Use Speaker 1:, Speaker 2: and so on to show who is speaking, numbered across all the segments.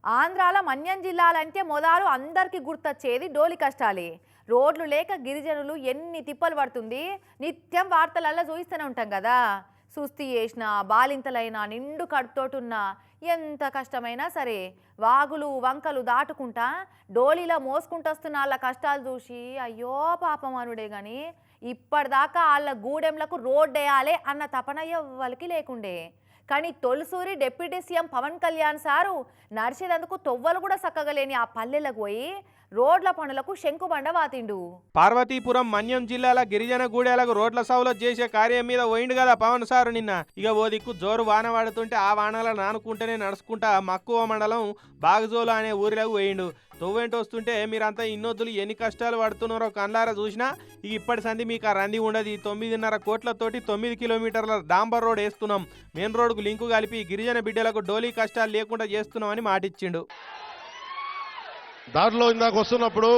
Speaker 1: ఆంధ్రాలో మన్యం జిల్లాలంటే మొదలు అందరికీ గుర్తొచ్చేది డోలి కష్టాలే. రోడ్లు లేక గిరిజనులు ఎన్ని తిప్పలు పడుతుంది నిత్యం వార్తలల్లో చూస్తూనే ఉంటాం కదా. సుస్థి చేసిన బాలింతలైనా నిండు కడుపుతోటున్నా ఎంత కష్టమైనా సరే వాగులు వంకలు దాటుకుంటా డోలీలో మోసుకుంటొస్తున్న వాళ్ళ కష్టాలు చూసి అయ్యో పాపం అనుడే కానీ ఇప్పటిదాకా వాళ్ళ గూడెంలకు రోడ్ వేయాలి అన్న తపన ఎవ్వరికి లేకుండే. కానీ తొలిసూరి deputy CM Pawan Kalyan sir నడిచేందుకు తొవ్వలు కూడా చక్కగలేని ఆ పల్లెలకు పోయి రోడ్ల పనులకు శంకుబండ వాతిండు.
Speaker 2: పార్వతీపురం మన్యం జిల్లాల గిరిజన గూడెలకు రోడ్ల సౌలత్ చేసే కార్యం మీద పోయిండు కదా పవన్ సారు నిన్న. ఇక ఓ దిక్కు జోరు వాన పడుతుంటే ఆ వానల నానుకుంటేనే నడుచుకుంటా మక్కువ మండలం బాగజోలు అనే ఊరిలోకి పోయిండు. తొవ్వేంటి వస్తుంటే మీరంతా ఇన్నొద్దులు ఎన్ని కష్టాలు పడుతున్నారో కళ్ళారా చూసినా ఇక ఇప్పటి సంది మీకు ఆ రంది ఉండదు. 9.5 కోట్లతోటి 9 కిలోమీటర్ల డాంబర్ రోడ్ వేస్తున్నాం, మెయిన్ రోడ్కు లింకు కలిపి గిరిజన బిడ్డలకు డోలీ కష్టాలు లేకుండా చేస్తున్నామని మాటిచ్చిండు.
Speaker 3: దారిలో ఇందాక వస్తున్నప్పుడు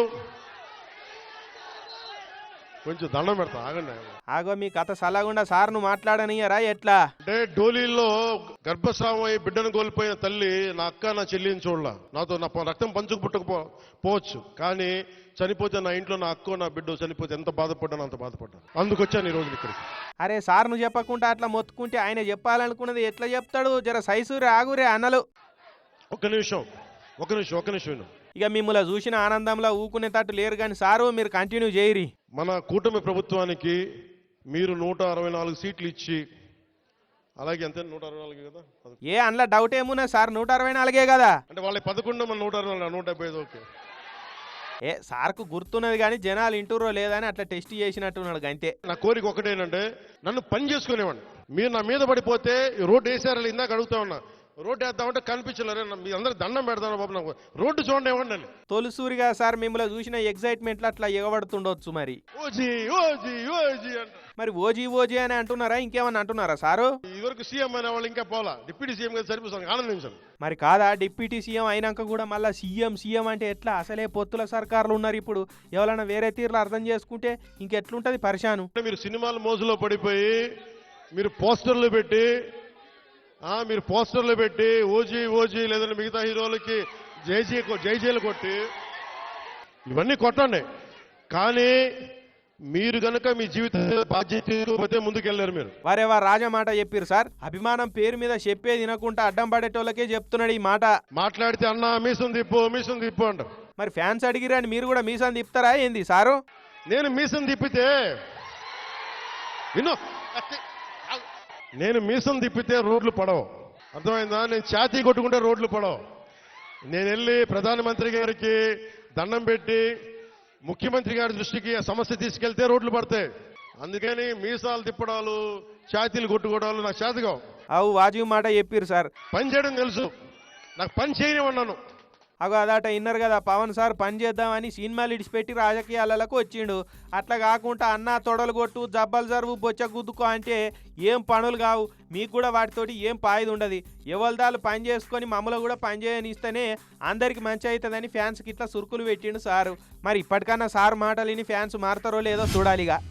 Speaker 3: కొంచెం దండం పెడతా ఆగండి.
Speaker 2: ఆగో మీ కథ సలగుండా సార్ను మాట్లాడనియరా ఎట్లా
Speaker 3: అంటే డోలీలో గర్భస్రావం అయి బిడ్డను కోల్పోయిన తల్లి నా అక్క నా చెల్లిని చూడలా, నాతో నా రక్తం పంచుకు పుట్టకపోవచ్చు, కానీ చనిపోతే నా ఇంట్లో నా అక్క నా బిడ్డ చనిపోతే ఎంత బాధపడ్డాను అంత బాధపడ్డాను. అందుకొచ్చాను ఈ రోజు ఇక్కడికి.
Speaker 2: అరే సార్ను చెప్పకుండా అట్లా మొత్తుకుంటే ఆయన చెప్పాలనుకున్నది ఎట్లా చెప్తాడు? జర సైసూరే ఆగురే అన్నలు.
Speaker 3: ఒక్క నిమిషం విను.
Speaker 2: ఇక మిమ్మల్ని చూసిన ఆనందంలో ఊకునేటట్టు లేరు కానీ సారు మీరు కంటిన్యూ చేయరి.
Speaker 3: మన కూటమి ప్రభుత్వానికి మీరు 164 సీట్లు ఇచ్చి, అలాగే అంతే 164 కదా,
Speaker 2: ఏ అందులో డౌట్ ఏమున్నా సార్ 164 కదా.
Speaker 3: అంటే వాళ్ళ 11 మన 164 175. ఓకే,
Speaker 2: ఏ సార్కు గుర్తున్నది కానీ జనాలు ఇంటూరో లేదని అట్లా టెస్ట్ చేసినట్టున్నాడు అంతే.
Speaker 3: నా కోరిక ఒకటేనంటే నన్ను పని చేసుకునేవాడిని. మీరు నా మీద పడిపోతే రోడ్డు వేసారని ఇందాక అడుగుతా ఉన్నా, రోడ్డు వేద్దామంటే కనిపించలేరు. మీ అందరూ దండం పెడతాను బాబు, నాకు రోడ్డు చూడండి ఇవ్వండి అని.
Speaker 2: తొలిసూరిగా సార్ మిమ్మల్ని చూసిన ఎగ్జైట్మెంట్ అట్లా ఎగబడుతుండొచ్చు. మరి
Speaker 3: ఓజీ ఓజీ ఓజీ అంట.
Speaker 2: మరి ఓజీ అని అంటున్నారా ఇంకేమన్నా అంటున్నారా సారు?
Speaker 3: ఇదివరకు సీఎం అయిన వాళ్ళు ఇంకా పోలా, డిప్యూటీ సీఎం గారు సరిపోతాను, ఆనందించాను.
Speaker 2: మరి కాదా డిప్యూటీ సీఎం అయినాక కూడా మళ్ళీ సీఎం అంటే ఎట్లా? అసలే పొత్తుల సర్కారులు ఉన్నారు ఇప్పుడు, ఎవరైనా వేరే తీరులో అర్థం చేసుకుంటే ఇంకెట్లుంటది పరిశాను.
Speaker 3: మీరు సినిమాల మోజులో పడిపోయి మీరు పోస్టర్లు పెట్టి ఓజీ లేదంటే మిగతా హీరోలకి జైజీలు కొట్టి ఇవన్నీ కొట్టండి, కానీ మీరు గనక మీ జీవితం బాధ్యత ముందుకెళ్ళారు. మీరు
Speaker 2: వారేవా రాజా మాట చెప్పారు సార్, అభిమానం పేరు మీద చెప్పే తినకుండా అడ్డం పడేటోళ్ళకే చెప్తున్నాడు ఈ మాట.
Speaker 3: మాట్లాడితే అన్న మీసం తిప్పు అంటారు.
Speaker 2: మరి ఫ్యాన్స్ అడిగిరని మీరు కూడా మీసం తిప్పుతారా ఏంది సారు?
Speaker 3: నేను మీసం తిప్పితే రోడ్లు పడవు, అర్థమైందా? నేను ఛాతీ కొట్టుకుంటే రోడ్లు పడవు. నేను వెళ్ళి ప్రధానమంత్రి గారికి దండం పెట్టి ముఖ్యమంత్రి గారి దృష్టికి ఆ సమస్య తీసుకెళ్తే రోడ్లు పడతాయి. అందుకని మీసాలు తిప్పడాలు ఛాతీలు కొట్టుకోవడాలు నాకు చేతగా.
Speaker 2: అవు వాజీ మాట చెప్పారు సార్.
Speaker 3: పని చేయడం తెలుసు, నాకు పని చేయనివన్నాను.
Speaker 2: అగో అదాట ఇన్నర్ కదా పవన్ సార్ పని చేద్దామని సినిమాలు ఇడిచిపెట్టి రాజకీయాలకు వచ్చిండు. అట్లా కాకుండా అన్న తొడలు కొట్టు జబ్బలు జరువు బొచ్చ గుద్దుకో అంటే ఏం పనులు కావు. మీకు కూడా వాటితోటి ఏం పాయిది ఉండదు. ఎవరిదాలు పని చేసుకొని మమ్మల్ని కూడా పని చేయనిస్తేనే అందరికి మంచి అవుతుందని ఫ్యాన్స్కి ఇట్లా సురుకులు పెట్టిండు సారు. మరి ఇప్పటికన్నా సార్ మాటలు విని ఫ్యాన్స్ మారుతారో లేదో చూడాలిగా.